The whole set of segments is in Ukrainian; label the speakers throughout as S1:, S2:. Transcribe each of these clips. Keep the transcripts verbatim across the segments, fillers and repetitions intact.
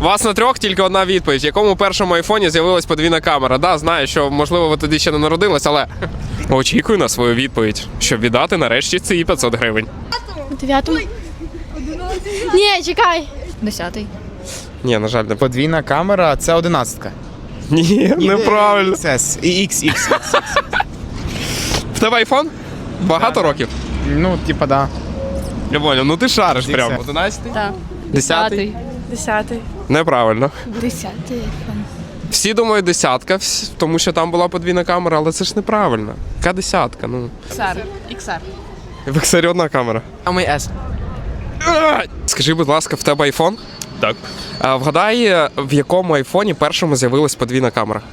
S1: Вас на трьох тільки одна відповідь. В якому першому айфоні з'явилась подвійна камера? Да, знаю, що, можливо, ви тоді ще не народились, але очікую на свою відповідь, щоб віддати нарешті ці п'ятсот гривень.
S2: У дев'ятому? Ні, чекай.
S3: Десятий.
S1: Ні, на жаль, не.
S4: Подвійна камера – це одинадцятка.
S1: Ні, неправильно.
S4: Це і X, X.
S1: В тебе айфон? Багато років?
S4: Ну, типа, да.
S1: Я понял, ну ти шариш
S4: Десятий.
S1: прямо. Одинадцятий?
S3: Так.
S1: Десятий?
S2: Десятий.
S1: Неправильно.
S3: Десятий айфон.
S1: Всі думають десятка, вс- тому що там була подвійна камера, але це ж неправильно. Яка десятка? Ну.
S3: Ікс ар. Ікс ар.
S1: В ікс ар одна камера.
S4: Самий S.
S1: А! Скажи, будь ласка, в тебе айфон?
S5: Так.
S1: А, вгадай, в якому айфоні першому з'явилась подвійна камера?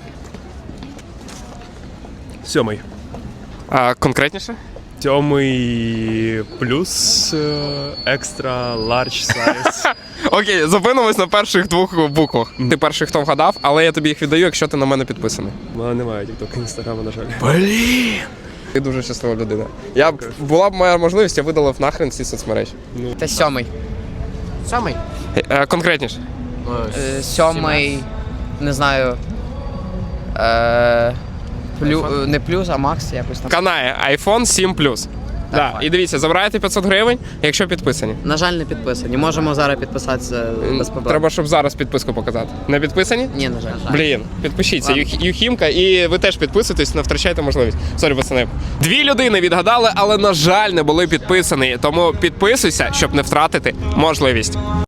S5: Сьомий.
S1: А, конкретніше?
S5: Сьомий плюс е, екстра ларч сайз.
S1: Окей, зупинимось на перших двох буквах. Ти перший, хто вгадав, але я тобі їх віддаю, якщо ти на мене підписаний.
S5: У мене немає тікток, інстаграму, на жаль.
S1: Ти дуже щаслива людина. Я б була б моя можливість, я видалив нахрен ці соцмережі.
S6: Це сьомий. Сьомий?
S1: Е, конкретніше.
S6: Е, Сьомий, не знаю. Е, плю, е, не плюс, а макс якось там.
S1: Канає iPhone сім плюс. Да. І дивіться, забираєте п'ятсот гривень, якщо підписані.
S6: На жаль, не підписані. Можемо зараз підписатися без проблем.
S1: Треба, щоб зараз підписку показати. Не підписані?
S6: Ні, на жаль.
S1: Блін, підпишіться.
S6: Ладно.
S1: Юх- Юхімка, і ви теж підписуйтесь, не втрачайте можливість. Сорі, пацани. Дві людини відгадали, але, на жаль, не були підписані. Тому підписуйся, щоб не втратити можливість.